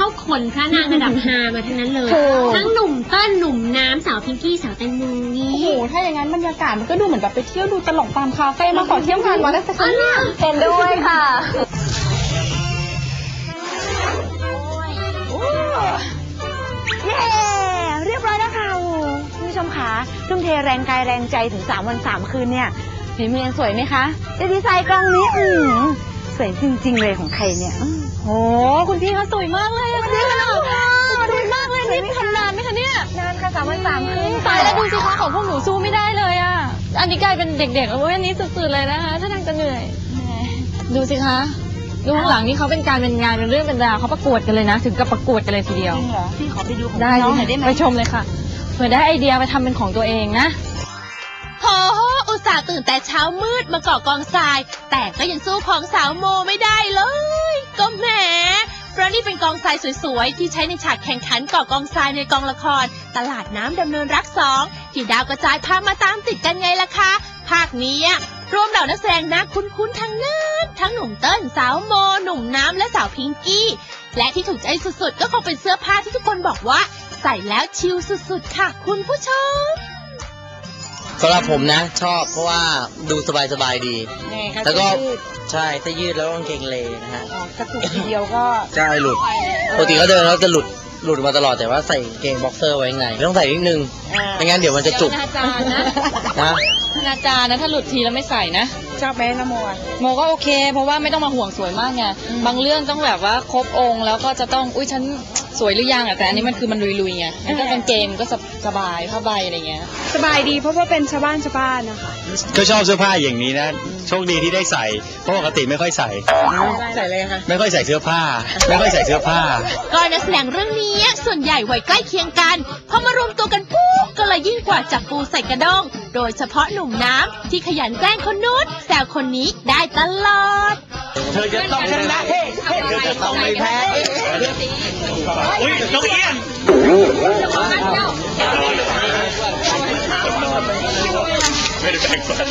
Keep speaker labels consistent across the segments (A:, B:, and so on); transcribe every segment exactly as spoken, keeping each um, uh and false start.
A: คนพระนางระดับฮามาทั้งนั้นเลยทั้งหนุ่มเต้นหนุ่มน้ำสาวพิงกี้สาวแตงโมนี่
B: โอ้โหถ้าอย่างนั้นบรรยากาศมันก็ดูเหมือนแบบไปเที่ยวดูตลกตามคาเฟ่มาขอเที่ยวงานวัดได้สักครั้งเนี่ย
C: เห็นด้วยค่ะเย้เรียบร้อยแล้วค่ะคุณผู้ชมคะทุ่มเทแรงกายแรงใจถึงสามวันสามคืนเนี่ยฝีมือยังสวยไหมคะจะดีไซน์กล้องนี้อืมสวยจริงๆเลยของใครเนี่ยโอ้คุณพี่เขาสวยมากเลยอะค่ะสวยมากเลยนี่ทำนานไหมคะเนี่ยนานค่ะสามวันสามคืน
D: ตายแล้วดูสิคะของพวกหนูสู้ไม่ได้เลยอ่ะอันนี้กลายเป็นเด็กๆแล้วอันนี้สุดๆเลยนะคะถ้าทางจะเหนื่อยดูสิคะดูข้างหลังนี่เขาเป็นการเป็นงานเป็นเรื่องเป็นราวเขาประกวดกันเลยนะถึงกับประกวดกันเลยทีเดียว
C: จริงเหรอพี่ขอไปดูของ
D: ได้
C: น้องหน่อยได้ไหม
D: ไปชมเลยค่ะเผื่อได้ไอเดียไปทำเป็นของตัวเองนะ
E: โหอุตส่าห์ตื่นแต่เช้ามืดมาเกาะกองทราย แต่ก็ยังสู้ของสาวโมไม่ได้เลย ก็แหมเพราะนี่เป็นกองทรายสวยๆที่ใช้ในฉากแข่งขันเกาะกองทรายในกองละคร ตลาดน้ำดำเนินรักสองที่ดาวกระจายพามาตามติดกันไงล่ะคะภาคนี้รวมเหล่านักแสดงนักคุ้นๆทั้งนั้นทั้งหนุ่มเติ้ลสาวโมหนุ่มน้ำและสาวพิงกี้และที่ถูกใจสุดๆก็คงเป็นเสื้อผ้าที่ทุกคนบอกว่าใส่แล้วชิลสุดๆค่ะคุณผู้ชม
F: สำหรับผมนะชอบเพราะว่าดูสบายๆดี แล้วก็ใช่ถ้ายืดแล้วกางเกงเลนะฮะ
C: กระตุกทีเดียวก็
F: ใช่หลุดปกติเขาเดินแล้วจะหลุดหลุดมาตลอดแต่ว่าใส่กางเกงบ็อกเซอร์ไว้ไงต้องใส่นิดนึงไม่งั้นเดี๋ยวมันจะจุก
D: อนาจารนะ
F: นะ
D: อนาจารนะถ้าหลุดทีแล้วไม่ใส่นะ
C: ชอบไหมนะโมอ่ะ
D: โมก็โอเค เพราะว่าไม่ต้องมาห่วงสวยมากไงบางเรื่องต้องแบบว่าครบองค์แล้วก็จะต้องอุ้ยฉันสวยหรือยังอ่ะแต่อันนี้มันคือมันลุยๆไงมันก็เป็นเกมก็สบายผ้าใบอะไรเงี้ย
B: สบายดีเพราะว่าเป็นชาวบ้านชาวบ้านนะคะ
G: ก็ชอบเสื้อผ้าอย่างนี้นะโชคดีที่ได้ใส่เพราะปกติไม่ค่อยใส่
F: ใส่เลยค่ะ
G: ไม่ค่อยใส่เสื้อผ้า ไม่ค่อยใส่เสื้อผ้า
E: ก็นักแสดงเรื่องนี้ส่วนใหญ่วัยใกล้เคียงกันพอมารวมตัวกันปุ๊บก็เลยยิ่งกว่าจับปูใส่กระด้งโดยเฉพาะหนุ่มน้ำที่ขยันแกล้งคนนู้นแซวคนนี้ได้ตลอด
G: เธอจะต้องชนะเฮ้เธอจะต้องไม่แพ้อุ้ยน้องเอี้ยนไม่ได้แบ่งฟัน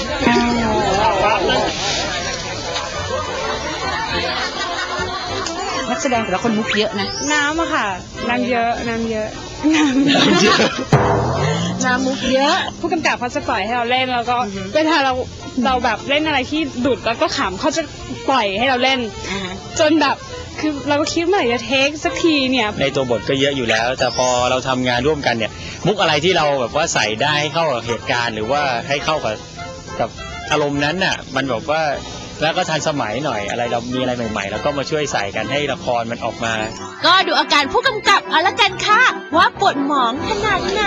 C: นักแสดงแต่ละคนมุกเยอะนะ
B: น้ำอะค่ะน้ำเยอะน้ำเยอะน้
G: เยอะ
B: ำน้ำมุกเยอะผู้กำกับเขาจะปล่อยให้เราเล่นแล้วก็เวลาเราเราแบบเล่นอะไรที่ดุดแล้วก็ขำเขาจะปล่อยให้เราเล่นจนแบบคือเราก็คิดเมื่อไหร่จะเทคสักทีเนี่ย
G: ในตัวบทก็เยอะอยู่แล้ว แต่พอเราทำงานร่วมกันเนี่ย มุกอะไรที่เราแบบว่าใส่ได้ให้เข้ากับเหตุการณ์ หรือว่าให้เข้ากับกับอารมณ์นั้นน่ะมันแบบว่าแล้วก็ทันสมัยหน่อยอะไรเรามีอะไรใหม่ๆ แล้วก็มาช่วยใส่กันให้ละครมันออกมา
E: ก็ดูอาการผู้กำกับเอาละกันค่ะว่าปวดหมองขนาดไหน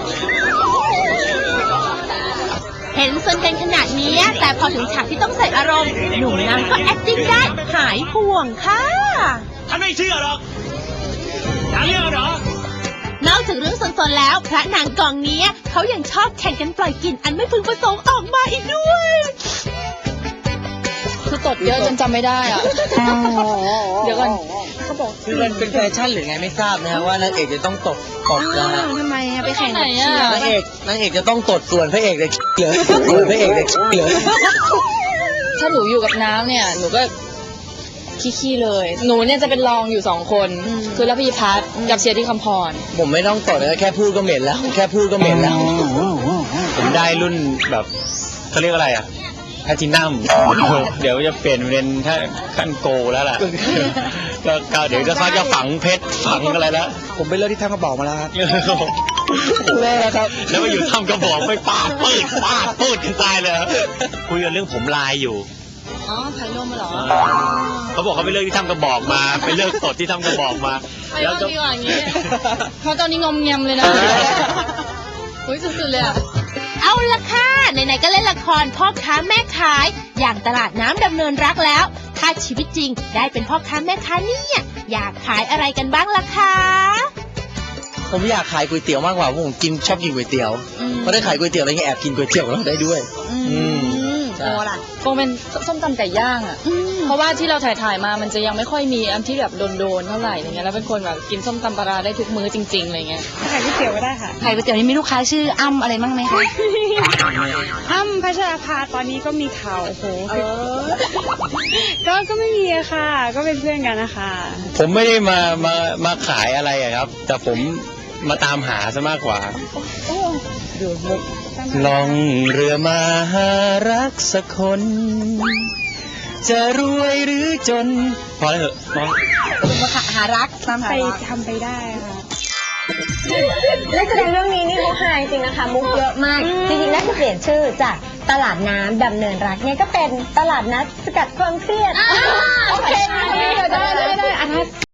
E: เห็นสนกันขนาดนี้แต่พอถึงฉากที่ต้องใส่อารมณ์หนุ่มน้ำก็ acting ได้หายห่วงค่ะ
G: ฉันไม่เชื่อหรอกฉันเชื่อหรอน
E: อกจากเรื่องสนๆแล้วพระนางกองนี้เขายังชอบแข่งกันปล่อยกลิ่นอันไม่พึงประสงค์ออกมาอีกด้วย
D: คือตดเยอะจนจำไม่ได้อ่ะเดี๋ยวก่อน
F: คือมันเป็นแฟชั่นหรือไงไม่ทราบนะฮะว่านางเอกจะต้องตดตดนะฮะ
C: ทำไมอะไปแข่ง
D: ไหนอ่ะ
F: นางเอกนางเอกจะต้องตดส่วนพระเอกเลยเหลือส่วนพระเอกเลยเหลือ
D: ถ้าหนูอยู่กับน้ำเนี่ยหนูก็ขี้ๆเลย หนูเนี่ยจะเป็นรองอยู่สองคนคือระพีพัฒน์กับเชียร์ที่คำพร
F: ผมไม่ต้องตดเลยแค่พูดก็เหม็นแล้ว แค่พูดก็เหม็นแล้ว
G: ผมได้รุ่นแบบเขาเรียกอะไรอ่ะแพทินัมเดี๋ยวจะเปลี่ยนเป็นถ้าขั้นโกแล้วล่ะก็ก็เดี๋ยวจะเขาจะฝังเพชรฝังอะไรแล้ว
F: ผมไปเลิกที่ท่ากระบอกมาแล้วครับ
G: แม่ครับแล้วมาอยู่ทำกระบอกไม่ปาดปืดปาดปืดกันตายเลยคุยกันเรื่องผมลายอยู่
D: อ๋อไผ่ลมเหรอ
G: เขาบอกเขาไปเลิกที่ทำกระบอกมาไปเลิกตดที่ทำกระบอกมา
D: ไผ่ลมดีกว่าอย่างนี้เพราะตอนนี้งอมแงมเลยนะอุ้ยสุดๆเลยอ่ะ
E: เอาละค่ะไหนๆก็เล่นละครพ่อค้าแม่ขายอย่างตลาดน้ำดำเนินรักแล้วถ้าชีวิตจริงได้เป็นพ่อค้าแม่ค้าเนี่ยอยากขายอะไรกันบ้างล่ะคะ
F: ผมอยากขายก๋วยเตี๋ยวมากกว่าเพราะผมกินชอบกินก๋วยเตี๋ยวเพราะได้ขายก๋วยเตี๋ยวอะไรเงี้ยแอบกินก๋วยเตี๋ยวเราได้ด้วย อืม
C: โอ้ล่ะ
D: คงเป็นส้มตำไก่ย่างอ่ะ เพราะว่าที่เราถ่ายถ่ายๆมามันจะยังไม่ค่อยมีอันที่แบบโดนๆเท่าไหร่อะไรเงี้ยแล้วเป็นคนแบบกินส้มตำปลาร้าได้ทุกมื้อจริงๆอะไรเงี้ย
B: ขายก๋วยเตี๋ยวก็ได้ค่ะ
C: ไข่ก๋วยเตี๋ยวนี่มีลูกค้าชื่ออ้ำอะไรบ้างไหมคะ
B: อ้ำพัชราภาตอนนี้ก็มีข่าวโอ้โหก็ก็ไม่มีอะค่ะ ก็เป็นเพื่อนกันนะคะ
G: ผมไม่ได้มามามาขายอะไรอะครับ แต่ผมมาตามหาซะมากกว่า ลองเรือมาหารักสักคน จะรวยหรือจน พอแล้วเหอะน้อง
C: มาหารักตามหา
B: ไป
C: รัก
B: ทำไปได้ค่ะ
A: นักแสดงเรื่องนี้นี่มุกฮาจริงๆนะคะ มุกเยอะมาก จริงๆน่าจะเปลี่ยนชื่อจากตลาดน้ำดำเนินรักเนี่ยก็เป็นตลาดนัดสกัดความเครียดโอเคได้ได้ได้ได้